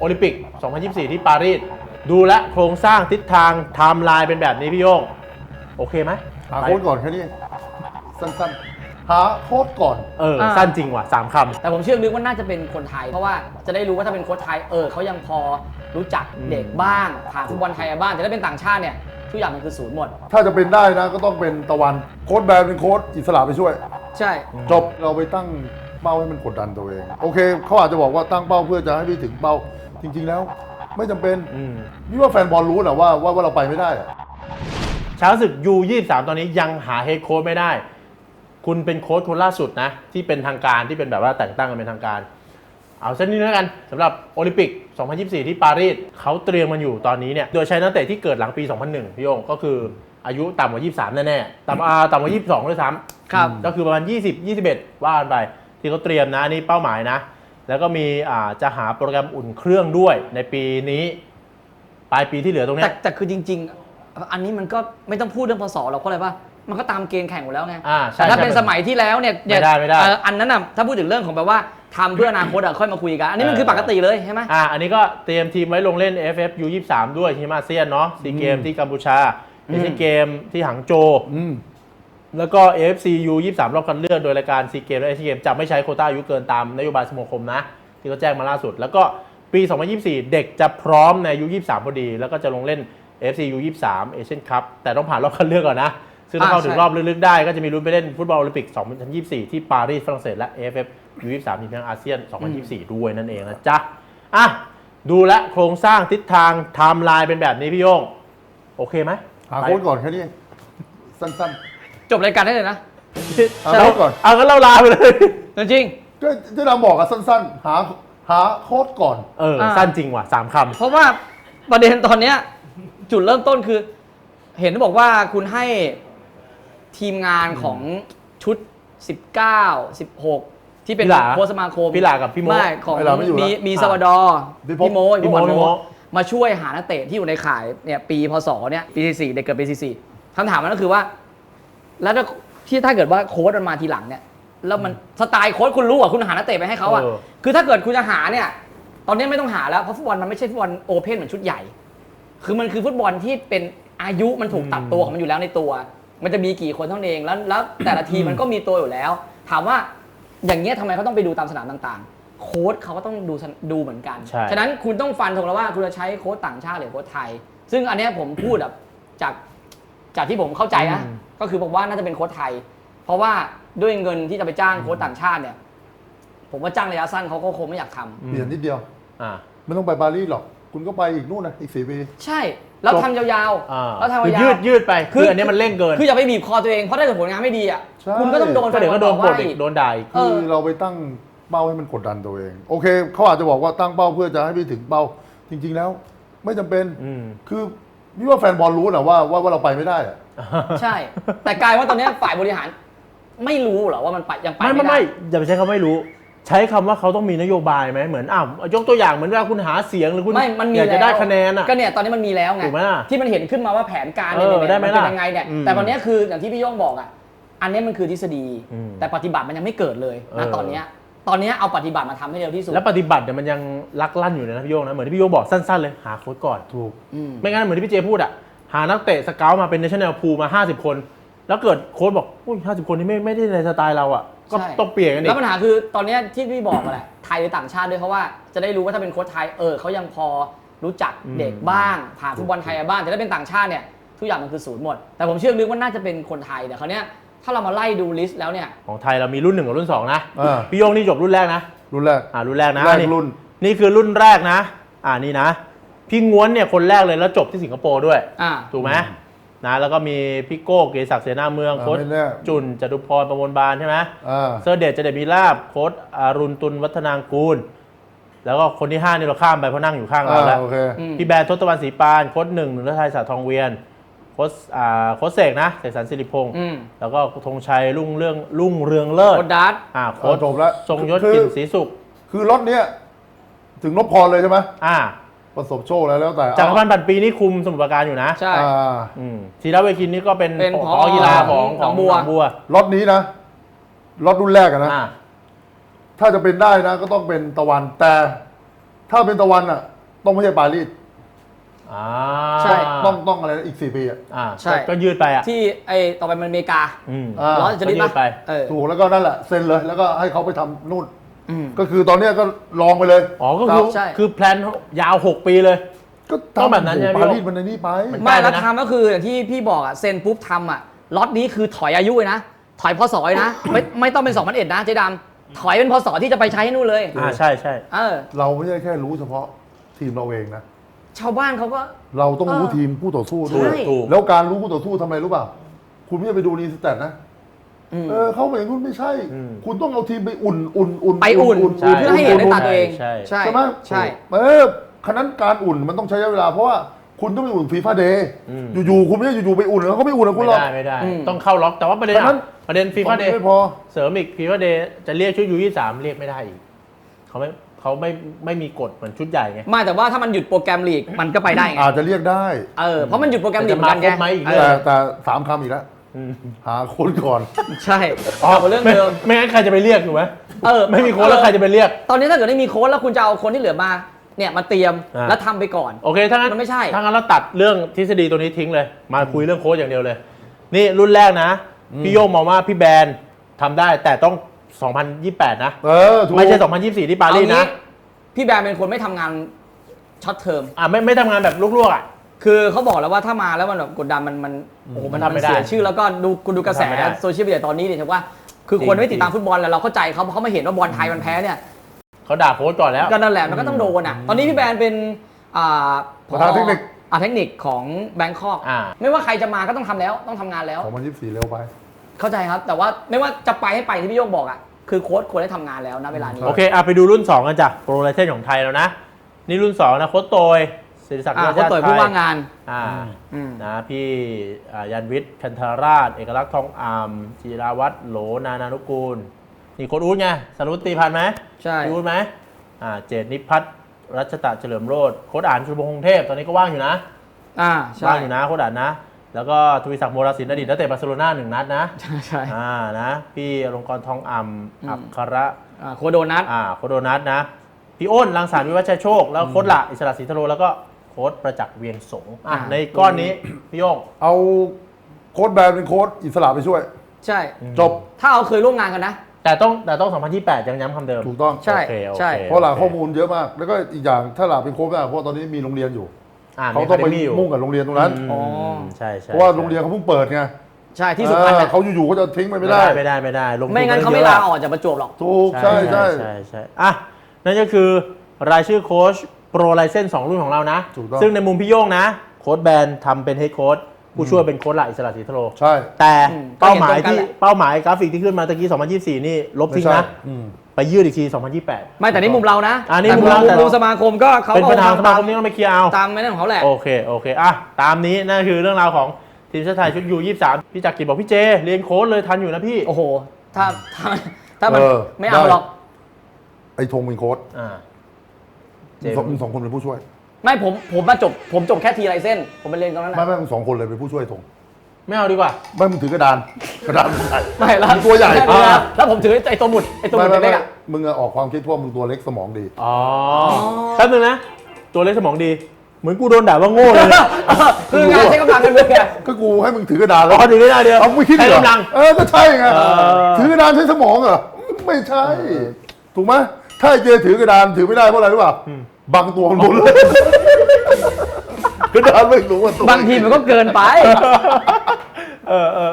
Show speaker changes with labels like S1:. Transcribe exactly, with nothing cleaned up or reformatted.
S1: โอลิมปิก สองพันยี่สิบสี่ ที่ปารีสดูแลโครงสร้างทิศทางไทม์ไลน์เป็นแบบนี้พี่โย่งโอเคไหม
S2: หาโค้ดก่อนแค่นี้สั้นๆหาโค้ดก่อน
S1: เออสั้นจริงว่ะสามคำ
S3: แต่ผมเชื่อลึกว่าน่าจะเป็นคนไทยเพราะว่าจะได้รู้ว่าถ้าเป็นโค้ชไทยเออเขายังพอรู้จักเด็กบ้างผ่านฟุตบอลไทยบ้างแต่ถ้าเป็นต่างชาติเนี่ยทุกอย่างมันคือศูนย์หมด
S2: ถ้าจะเป็นได้นะก็ต้องเป็นตะวันโค้ดแบรนด์เป็นโค้ดอิสระไปช่วย
S3: ใช่
S2: จบเราไปตั้งเป้าให้มันกดดันตัวเองโอเคเขาอาจจะบอกว่าตั้งเป้าเพื่อจะให้ไปถึงเป้าจริงๆแล้วไม่จำเป็นนี่ว่าแฟนบอลรู้นะว่าว่าเราไปไม่ได้
S1: ช้างศึก ยู ยี่สิบสาม ตอนนี้ยังหาเฮดโค้ชไม่ได้คุณเป็นโค้ชคนล่าสุดนะที่เป็นทางการที่เป็นแบบว่าแต่งตั้งกันเป็นทางการเอาเส้นนี้แล้วกันสำหรับโอลิมปิก สองพันยี่สิบสี่ ที่ปารีสเขาเตรียมมันอยู่ตอนนี้เนี่ยโดยใช้นักเตะที่เกิดหลังปี สองพันหนึ่ง พี่โยงก็คืออายุต่ำกว่า ยี่สิบสาม แน่ๆต่ำอ่าต่ำกว่า ยี่สิบสอง ด้วยซ้ำครับก็คือประมาณ ยี่สิบ ยี่สิบเอ็ด ว่ากันไปที่เขาเตรียมนะนี่เป้าหมายนะแล้วก็มีอ่าจะหาโปรแกรมอุ่นเครื่องด้วยในปีนี้ปลายปีที่เหลือตรงนี้
S3: แต่แต่คือจริงๆอันนี้มันก็ไม่ต้องพูดเรื่องพศหรอกเพราะอะไรป่ะมันก็ตามเกณฑ์แข่งหมดแล้วไงแต่ถ้าเป็นสมัยที่แล้วเนี่ย
S1: ไม่ได้ไม่ได้
S3: อันนั้นน่ะถ้าพูดถึงเรื่องของแบบว่าทำเพื่ออนาคตอะค่อยมาคุยกันอันนี้มันคือปกติเลยใช่ไหม
S1: อ่าอันนี้ก็เตรียมทีมไว้ลงเล่น เอฟ เอฟ ยู ยี่สิบสาม ด้วยทีมอาเซียนเนาะซีเกมที่กัมพูชาเอเชียนเกมที่หางโจวแล้วก็ เอ เอฟ ซี ยู ยี่สิบสาม รอบคัดเลือกโดยรายการซีเกมและเอเชียนเกมจะไม่ใช้โควต้าอายุเกินตามนโยบายสมาคมนะที่เขาแจ้งมาล่าสุดแล้วก็ปี สองพันยี่สิบสี่ เด็กจะพร้อมในอายุยี่สิบสามพอดีแล้วก็จะลงเล่น เอ เอฟ ซี ยู ยี่สิบสาม เอเชียนคัพแต่ต้องผ่านรอบคัดเลือกก่อนนะซึ่งถ้าเข้าถึงรอบลึกๆได้ก็จะมีลุ้นไปเล่นฟุตบอลโอลิมปิก สองพันยี่สิบสี่ ที่ปารีสฝรั่งเศสและ เอ เอฟ เอฟ ยู ยี่สิบสาม ทีมแห่งอาเซียน สองพันยี่สิบสี่ ด้วยนั่นเองนะจ๊ะอ่ะดูแลโครงสร้างทิศทางไทม์ไลน์เป็นแบบนี้พี่โย่งโอเคไหม
S2: หาโค้ดก่อนแค่นี้สั้น
S3: ๆจบรายการได้เลยนะ
S2: หาโค้ดก่อน
S1: เอางั้นเราลาไปเลย
S3: จริง
S2: ก็ที่เราบอกอะสั้นๆหาหาโค้ดก่อน
S1: เออสั้นจริงว่ะสามคำ
S3: เพราะว่าประเด็นตอนเนี้ยจุดเริ่มต้นคือเห็นบอกว่าคุณให้ทีมงานของชุดสิบเก้า สิบหกที่เป็นโค้ชสมาคม
S1: พี่หลากับพี่โม
S3: ไม่ของมีมีซาวดอร์พี่โมพี่โมมาช่วยหานักเตะที่อยู่ในข่ายเนี่ยปีพศเนี่ยปีสี่เด็กเกิดปีสี่คำถามมันก็คือว่าแล้วที่ถ้าเกิดว่าโค้ชมันมาทีหลังเนี่ยแล้วมันสไตล์โค้ชคุณรู้อ่ะคุณหานักเตะไปให้เขาอ่ะคือถ้าเกิดคุณจะหาเนี่ยตอนนี้ไม่ต้องหาแล้วเพราะฟุตบอลมันไม่ใช่ฟุตบอลโอเพ่นเหมือนชุดใหญ่คือมันคือฟุตบอลที่เป็นอายุมันถูกตัดตัวของมันอยู่แล้วในตัวมันจะมีกี่คนเท่านั้นเองแล้วแล้วแต่ละทีมมันก็มีตัวอยู่แล้วถามว่าอย่างเงี้ยทำไมเขาต้องไปดูตามสนามต่างๆโค้ชเขาก็ต้องดูดูเหมือนกันฉะนั้นคุณต้องฟันธงแล้วว่าคุณจะใช้โค้ชต่างชาติหรือโค้ชไทยซึ่งอันนี้ผมพูดแบบจากจากที่ผมเข้าใจนะก็คือผมว่าน่าจะเป็นโค้ชไทยเพราะว่าด้วยเงินที่จะไปจ้างโค้ชต่างชาติเนี่ยผมว่าจ้างระยะสั้นเขาก็คงไม่อยากทำ
S2: เปลี่ยนนิดเดียวไม่ต้องไปปารีสหรอกคุณก็ไปอีกนู่นนะอีกสี่ปี
S3: ใช่แล้วทำยาวๆแล้วทำยาว
S1: ยืดยืดไปคืออันนี้มันเร่งเกิน
S3: คืออย่าไปบีบคอตัวเองเพราะถ้าเกิดผลงานไม่ดีอ่ะคุณก็ต้องโดน
S1: ก็เดี๋ยวก็โดนกดอีกโดนด่าอีก
S2: คือเราไปตั้งเป้าให้มันกดดันตัวเองโอเคเขาอาจจะบอกว่าตั้งเป้าเพื่อจะให้ไปถึงเป้าจริงๆแล้วไม่จำเป็นคือนี่ว่าแฟนบอลรู้นะว่าว่าเราไปไม่ได้อะ
S3: ใช่แต่กลายว่าตอนนี้ฝ่ายบริหารไม่รู้เหรอว่ามันไปยังไปไม่
S1: ไม่ไม่อย่าไปใช้คำไม่รู้ใช้คำว่าเขาต้องมีนโยบายไหมเหมือนอ้าวยกตัวอย่างเหมือนว่าคุณหาเสียงหรือคุณอยากจะได้คะแนนอ่ะ
S3: ก็เนี่ยตอนนี้มันมีแล้วไงที่มันเห็นขึ้นมาว่าแผนการเนี่ยมันเป็นยังไงเนี่ยแต่ตอนนี้คืออย่างที่พี่โย่งบอกอ่ะอันนี้มันคือทฤษฎีแต่ปฏิบัติมันยังไม่เกิดเลยนะตอนนี้ตอนนี้เอาปฏิบัติมาทำให้เร็วที่สุด
S1: แล้วปฏิบัติเนี่ยมันยังลักลั่นอยู่นะพี่โย่งนะเหมือนที่พี่โย่งบอกสั้นๆเลยหาโค้ชก่อน
S2: ถูก
S1: ไม่งั้นเหมือนที่พี่เจพูดอ่ะหานักเตะสเกาต์มาเป็นเนชั่นแนลพูลมาห้าสิบคนแล้วเกิดโค้ชบอกอุ้ยห้าสิบคนนี้ไม่ไม่ได้ในสไตล์เราอ่ะก็ต้องเปลี่ยนกันอีก
S3: แล้วปัญหาคือตอนนี้ที่พี่บอกมาแหละไทยหรือต่างชาติด้วยเพราะว่าจะได้รู้ว่าถ้าเป็นโค้ชไทยเออเขายังพอรู้จักเด็กบ้างผ่านฟุตบอลไทยบ้างแต่ถ้าเป็นต่างชาติเนี่ยทุกอย่างมันคือศูนย์หมดแต่ผมเชื่อลึกว่าน่าจะเป็นคนไทยแต่คราวนี้ถ้าเรามาไล่ดูลิสต์แล้วเนี่ย
S1: ของไทยเรามีรุ่นหนึ่งกับรุ่นสองนะพี่โยงนี่จบรุ่นแรกนะ
S2: รุ่นแรก
S1: อ่ารุ่นแรกนะ
S2: นี่รุ่น
S1: นี่คือรุ่นแรกนะอ่านี่นะพี่ง้วนเนี่ยคนแรกเลยแล้วจบที่สิงคโปร์ด้วยถูกไหมนะแล้วก็มีพี่โก้เกษศักดิ์เสนาเมืองโค้ชจุนจตุพรประมวลบานใช่ไหมเซอร์เดชเจเดมีลาบโค้ชอรุณตุลวัฒนางกูลแล้วก็คนที่ห้านี่เราข้ามไปเพราะนั่งอยู่ข้างเราแล้วพี่แบรนด์ทศตวรรณศรีปานโค้ชหนึ่งหนึ่งฤทัยสาทองเวียนโค้ชอ่าโค้ชเสกนะเสกสรรศิริพงศ์แล้วก็ธงชัยรุ่งเรื่องรุ่งเรืองเลิศ
S3: โค้ชดัต
S1: อ่าโค้ชทรงยศกลิ่นศรีสุข
S2: คือรถเนี้ยถึงนพพรเลยใช่ไหม
S1: อ่า
S2: ประสบโชคแล้วแล้วแต่
S1: จากพันปันปีนี่คุมสมุทรปราการอยู่นะ
S3: ใช่
S1: ธีรเวคินนี่ก็เป็นผอกีฬาของของบัวบัว
S2: รถนี้นะรถรุ่นแรกนะถ้าจะเป็นได้นะก็ต้องเป็นตะวันแต่ถ้าเป็นตะวันอ่ะต้องไม่ใช่ปารีส
S1: อ่า
S3: ใช่
S2: ต้องต้องอะไรนะอีกสี่ปีอ่ะ
S1: อ่า
S3: ใช่
S1: ก็ก็ยืดไปอ่ะ
S3: ที่ไอ้ต่อไปมันอเมริกา
S1: อืม
S2: อ่า
S3: ร้อนจะรีบ
S1: ก็ยืดไป
S3: เออ
S2: ถูกแล้วก็นั่นแหละเซ็นเลยแล้วก็ให้เขาไปทำนู่น
S3: อืม
S2: ก็คือตอนเนี้ยก็ลองไปเลย
S1: อ๋อก็คือ
S3: ใช่
S1: คือแพลนยาวหกปีเลย
S2: ก็
S1: ต้องแบบนั้นใช่ไหม
S2: ปารีสมันในนี่ไป
S1: มัน
S3: ไม่
S1: ใกล้
S3: แล้ว
S1: แล้วนะ
S3: ทำก็คืออย่างที่พี่บอกอะเซ็นปุ๊บทำอะล็อตนี้คือถอยอายุเลยนะ ถอยพศเลยนะ ไม่ไม่ต้องเป็นสองพันเอ็ดนะเจ๊ดำถอยเป็นพศที่จะไปใช้ให้นู่นเลย
S1: อ่าใช่ใช่
S3: เออ
S2: เราไม่ใช่แค่รู้เฉพาะทีมเราเองนะ
S3: ชาวบ้านเขาก็
S2: เราต้องรู้
S3: เออ
S2: ทีมคู่ต่อสู้
S3: ใช่
S2: ด้วย
S1: ถูก
S2: แล้วการรู้คู่ต่อสู้ทำไมรู้เปล่า คุณไม่ได้ไปดูรีสแตทนะ
S3: อืม
S2: เออเขาอย่างนู้นไม่ใช่
S1: อืม
S2: คุณต้องเอาทีมไปอุ่นอุ่นอุ่น
S3: ไปอุ่น
S1: ใช่
S3: เพื่อให้เห็นในตาตัวเอง
S1: ใช่
S3: ใช่
S2: ใช่ไหม
S3: ใช่
S2: เออขนาดการอุ่นมันต้องใช้ระยะเวลาเพราะว่าคุณต้องไปอุ่นฟีฟ่าเดย์
S1: อืม
S2: อยู่ๆคุณไม่ได้อยู่ๆไปอุ่นแล้วเขาไม่อุ่นนะคุณ
S1: ไม่
S2: หรอก
S1: ได้ไม่ได้
S3: อืม
S1: ต้องเข้าล็อกแต่ว่าประเด็น
S2: ฉะนั้น
S1: อะประเด็นฟีฟ่าเดย์
S2: ไม่พอ
S1: เสริมอีกฟีฟ่าเดย์จะเรียกชุดยูยี่สามเรียกไม่ได้อีกเขาไม่เขาไม่ไม่มีกฎเหมือนชุดใหญ่ไง
S3: ไม่แต่ว่าถ้ามันหยุดโปรแกรมลีกมันก็ไปได้ไง
S2: อาจจะเรียกได้
S3: เออเพราะมันหยุดโปรแกรมลีก
S1: แต่
S3: เหมือนกัน
S1: จะมาครบไหม
S3: ไง
S1: อีกเรื่
S2: แต่
S1: อง
S2: แต่สามคำอีกแล้ว
S1: อืม
S2: หาโค้ชก่อน
S3: ใช่กลับมาเรื่องเดิม
S1: ไไม่งั้นใครจะไปเรียกถูกไหม
S3: เออ
S1: ไม่มีโค้ชแล้วใครจะไปเรียก
S3: ตอนนี้ถ้าเกิดไม่มีโค้ชแล้วคุณจะเอาคนที่เหลือมาเนี่ยมาเตรียม
S1: อ่า
S3: แล้วทำไปก่อน
S1: โอเคถ้างั้น
S3: มันไม่ใช่
S1: ถ้างั้นเราตัดเรื่องทฤษฎีตัวนี้ทิ้งเลย มาคุยเรื่องโค้ชอย่างเดียวเลย นี่รุ่นแรกนะ พี่โยงมองว่าพี่แบรนด์ทำได้แต่ต้อง สองพันยี่สิบแปด นะ
S2: เออถูก
S1: ไม่ใช่ สองพันยี่สิบสี่ ที่ปารีส
S3: เอางี้
S1: นะ
S3: พี่แบร์เป็นคนไม่ทำงานช็อตเทอม
S1: อ่าไม่ไม่ทำงานแบบลวกๆอ่ะ
S3: คือเขาบอกแล้วว่าถ้ามาแล้วมันแบบกดดันมันมันโอ้โหมัน
S1: มันทำไม่ได้
S3: เสียชื่อแล้วก็ดูคุณดูกระแส
S1: มันทำไม่ได้
S3: โซเชียลมีเดียตอนนี้เนี่ยถือว่า คือ
S1: จริง
S3: คนไม่ติดตาม
S1: จริง
S3: ฟุตบอลแล้วเราเข้าใจเขาเพราะเขามาเห็นว่าบอลไทยมันแพ้เนี่ย
S1: เขาด่าโค้ชก่อนแล้ว
S3: ก็นั่นแหละมันก็ต้องโดนอ่ะตอนนี้พี่แบร์เป็นอ่า
S2: ประธานเทคนิค
S3: อ่าเทคนิคของแบงคอก
S1: อ่า
S3: ไม่ว่าใครจะมาก็ต้องทำแล้วต้องทำงานแล้ว
S2: สองพันยี่สิบสี่เร็วไป
S3: เข้าใจครับ แต่ว่าไม่ว่าจะไปให้ไปที่พี่โยงบอกอ่ะคือโค้ชควรได้ทำงานแล้วนะเวลานี้
S1: โอเคอ่ะไปดูรุ่น สอง กันจ้ะโปรไลเซนของไทยแล้วนะ นี่รุ่น สอง นะโค้ชโตยศิริศักดิ์
S3: อ่า
S1: ราช
S3: โค้ชต่อยผู้ว่างงาน
S1: อ่า
S3: อืม
S1: นะพี่อ่ายันวิทย์คันธาราช เอกลักษณ์ทองอามจิราวัตรโหลนานานุกูล นี่โค้ชอู๊ดไงสรุปตีพันธ์ไหม
S3: ใช่
S1: พี่อู๊ดไหมอ่าเจตนิพัฒน์รัชตะเฉลิมโรจน์โค้ชอ่านชุมพงษ์เทพตอนนี้ก็ว่างอยู่นะ
S3: อ่าใช่
S1: ว่างอยู่นะโค้ชอ่านนะ แล้วก็ทวีศักดิ์โมราศิลป์อดีตนักเตะบาร์เซโลนาหนึ่งนัดนะ
S3: ใช่ใช่
S1: อ่านะพี่อลงกรณ์ทองอ่ำอัคคระ
S3: อ่าโค้ชโดนัท
S1: อ่าโค้ชโดนัทนะ พี่อ้นรังสรรค์วิวัฒน์ชัยโชค แล้วโค้ชละอิสระศรีทะโลแล้วก็โค้ชประจักษ์เวียงสงฆ์อ่ะ
S3: อ่า
S1: ในก้อนนี้ พี่โยง
S2: เอาโค้ชแบรนด์เป็นโค้ชอิสระไปช่วย
S3: ใช่
S2: จบ
S3: ถ้าเอาเคยร่วมงานกันนะ
S1: แต่ต้องแต่ต้อง สองพันยี่สิบแปด ยังย้ำคำเดิม
S2: ถูกต้อง
S3: ใช่
S1: โอเคโอเค
S3: ใช่
S2: เพราะหลังข้อมูลเยอะมาก แล้วก็อีกอย่างถ้าหลักเป็นโค้ชไม่ได้เพราะตอนนี้มีโรงเรียนอยู่
S1: อ่า
S2: เขาต้องไป
S1: มี
S2: มุ่งกับโรงเรียนตรงนั้น
S3: อ๋อ
S1: ใช่ใช่
S2: เพราะว่าโรงเรียนเขาเพิ่งเปิดไง
S3: ใช่ที่สุพรรณ
S2: เออ
S3: น่ะ
S2: เขาอยู่ๆเขาจะทิ้งไป
S1: ไม่
S2: ไม่
S1: ได้
S2: ได้
S1: ไม่ได้ไม่ได้ลงทุน
S3: ไม่งั้นเขาไม่
S1: ยอะ
S3: ลาออกจากประจวบหรอก
S2: ถูกใช่ใช่
S1: ใช่ใช่อ่ะนั่นก็คือรายชื่อโค้ชโปรไลเซนสองรุ่นของเรานะ
S2: ถูกต้อง
S1: ซึ่งในมุมพี่โย่งนะ โค้ชแบรนด์ทำเป็นเฮดโค้ชผู้ช่วยเป็นโค้ชละอิสระศรีทะโล
S2: ใช่
S1: แต่
S3: อืม
S1: เป้าหมาย
S3: ก็เห็นตรงกัน
S1: ที่
S3: แหละ
S1: เป้าหมายกราฟิกที่ขึ้นมาตะกี้ สองพันยี่สิบสี่ นี่ลบทิ้ง
S2: ไม่ใช่
S1: นะ
S2: อืม
S1: ไปยืดอีกที สองพันยี่สิบแปด
S3: ไม่แต่นี่มุมเรานะ
S1: อ่านี่
S3: แต่
S1: มุมเราแต่
S3: มุมสมาคมก็เขา
S1: เป็นประธาน
S3: อ
S1: สมาคมนี้ต้องไปเคลียร์เอา
S3: ตามไม่นั่นของเขาแหละ
S1: โอเค โอเค อ่ะ ตามนี้นั่นคือเรื่องราวของทีมชาติไทยชุดยูยี่สิบสามพี่จักรกิจบอกพี่เจ เรียนโค้ชเลยทันอยู่นะพี่
S3: โอ้โห ถ้าถ้าถ้ามัน
S2: เออ
S3: ไม่เอา
S2: ได้
S3: หรอก
S2: ไอ้ธงเป็นโค้ช
S1: อ่า เจ
S2: สองมึงสองคนเป็นผู้ช่วย
S3: ไม่ผมผมมาจบผมจบแค่ทีไรเส้น ผมไปเรียนตรงนั้น
S2: ไม่
S3: นะ
S2: ไม่มึงสองคนเลยเป็นผู้ช่วยธง
S1: ไม่เอาดีกว่า
S2: ไม่มึงถือกระดานกระดานมึงใหญ่
S3: ไม่แล้ว
S2: มึงตัวใหญ่
S3: แค่นี้นะแล้วผมถือไอ้ตัวหมุดไอ้ตัวห
S2: ไม่
S3: มุด
S2: ไม่
S3: เล็
S2: ไม่
S3: กๆอ่ะ
S2: มึงอะออกความคิดเพราะมึงตัวเล็กสมองดี
S1: อ๋อแป๊บนึงนะ ตัวเล็กสมองดี เหมือนกูโดนด่าว่าโง่เลยเนี่ย
S3: คืองานใช้กำลังกันเลยไง
S2: ก็กูให้มึงถือกระดานแล้
S1: อ๋
S2: ว
S1: อถือได้เดียว
S2: เอาไม่คิด
S1: ใช้
S2: เหรอก
S1: ำลัง
S2: เออก็ใช่ไง
S1: เออ
S2: ถือกระดานใช้สมองเหรอไม่ใช่ ถูกไหมถ้าไอ้เจถือกระดานถือไม่ได้เพราะอะไรรู้ป่ะบังตัวมันหมดเลยกระดานไม่รู้ว่าตัว
S3: บางทีมันก็เกินไป
S1: เออเออ